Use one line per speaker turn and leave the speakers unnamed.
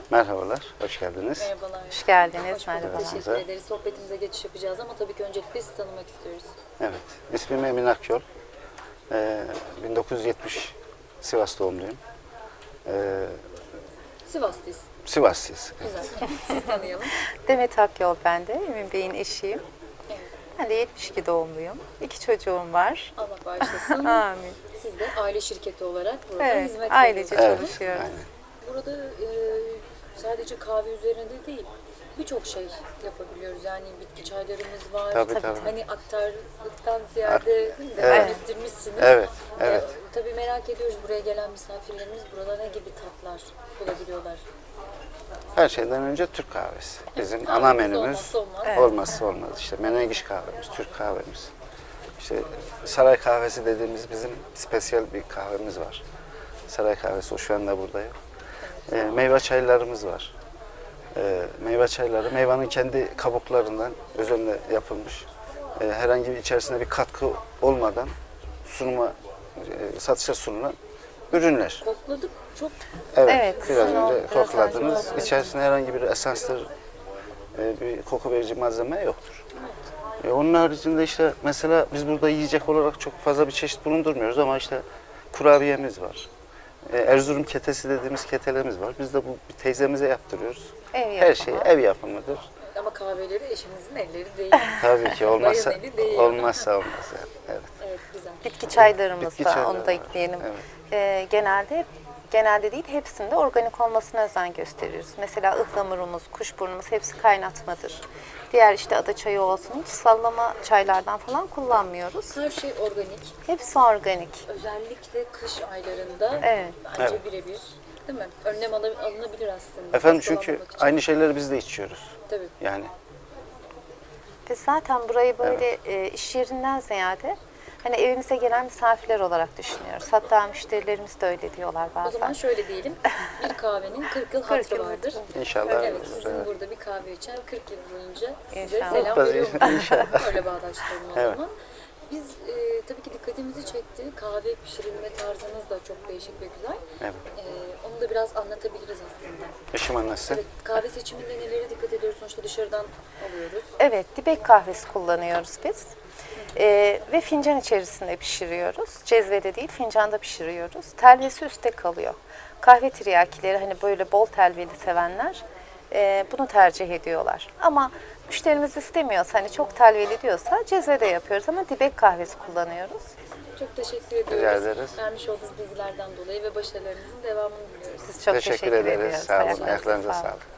Merhabalar, hoş geldiniz.
Merhabalar.
Hoş geldiniz,
Hoş bulduk.
merhabalar.
Teşekkür ederiz. Sohbetimize geçiş yapacağız ama tabii ki öncelikle sizi tanımak istiyoruz.
Evet, ismim Emin Akyol. 1970 Sivas doğumluyum.
Sivaslıyız.
Sivaslıyız.
Güzel. Sizi tanıyalım.
Demet Akyol ben de, Emin Bey'in eşiyim.
Evet.
Ben de 72 doğumluyum. 2 çocuğum var.
Allah bağışlasın.
Amin.
Siz de aile şirketi olarak burada
Evet,
hizmet
ailece
veriyorsunuz.
çalışıyoruz.
aynen.
Burada sadece kahve üzerinde değil, birçok şey yapabiliyoruz. Yani bitki çaylarımız var.
Tabii.
Hani aktarlıktan ziyade değil mi,
Evet.
devam ettirmişsiniz.
Evet, evet.
Tabii merak ediyoruz buraya gelen misafirlerimiz burada ne gibi tatlar bulabiliyorlar.
Her şeyden önce Türk kahvesi. Bizim
Kahvemiz
ana menümüz
olmazsa olmaz.
Evet.
olmazsa olmaz. İşte menengiş kahvemiz, Türk kahvemiz. İşte saray kahvesi dediğimiz bizim spesiyel bir kahvemiz var. Saray kahvesi, o şu anda burada yok. Meyve çaylarımız var. Meyve çayları meyvanın kendi kabuklarından özenle yapılmış. Herhangi bir içerisinde bir katkı olmadan satışa sunulan ürünler.
Kokladık çok
Evet,
biraz
sizin o
önce
biraz
kokladınız.
önce
İçerisinde herhangi bir esanstır, bir koku verici malzeme yoktur. Onun haricinde işte mesela biz burada yiyecek olarak çok fazla bir çeşit bulundurmuyoruz ama işte kurabiyemiz var. Erzurum ketesi dediğimiz ketelerimiz var. Biz de bu bir teyzemize yaptırıyoruz.
Ev
Her şey
yapımı.
ev yapımıdır.
ama kahveleri eşinizin elleri değil.
Tabii ki olmazsa
Bayan eli değil.
olmazsa olmaz yani. Evet.
Evet güzel.
Bitki çaylarımız
Bitki
da,
çayları
onu da
var.
ekleyelim.
Evet.
Genelde değil, hepsinde organik olmasına özen gösteriyoruz. Mesela ıhlamurumuz, kuşburnumuz hepsi kaynatmadır. Diğer işte ada çayı olsun, hiç sallama çaylardan falan kullanmıyoruz.
Her şey organik.
Hepsi organik.
Özellikle kış aylarında
Evet.
bence
Evet.
birebir değil mi? Önlem alınabilir aslında.
Efendim çünkü
Hastalanmamak için.
aynı şeyleri biz de içiyoruz.
Tabii.
Yani
Biz zaten burayı böyle iş yerinden ziyade hani evimize gelen misafirler olarak düşünüyoruz. Hatta müşterilerimiz de öyle diyorlar
O zaman
bazen.
şöyle diyelim. Bir kahvenin 40 yıl
40
hatırı
yıl
vardır.
inşallah.
Evet,
olur,
sizin
evet.
burada bir kahve içen 40 yıl boyunca size
İnşallah.
selam
Tabii,
veriyorum.
inşallah.
Öyle bağdaştıralım o
Evet.
zaman. Biz tabii ki dikkatimizi çekti. Kahve pişirilme tarzınız da çok değişik ve güzel.
Evet.
Onu da biraz anlatabiliriz aslında.
Eşim annesi.
Evet, kahve seçiminde nelere dikkat ediyoruz? Sonuçta dışarıdan alıyoruz.
Evet, dibek kahvesi kullanıyoruz biz. Ve fincan içerisinde pişiriyoruz. Cezvede değil, fincanda pişiriyoruz. Telvesi üstte kalıyor. Kahve tiryakileri hani böyle bol telveli sevenler bunu tercih ediyorlar. Ama müşterimiz istemiyorsa, hani çok telveli diyorsa cezvede yapıyoruz ama dibek kahvesi kullanıyoruz.
Çok teşekkür ediyoruz.
Rica ederiz.
Vermiş olduğunuz bilgilerden dolayı ve başarılarınızın devamını diliyoruz.
Biz çok teşekkür
ederiz.
ediyoruz.
Sağ olun.
Ayaklarınıza
Ayaklarınıza
sağlık.
sağlık.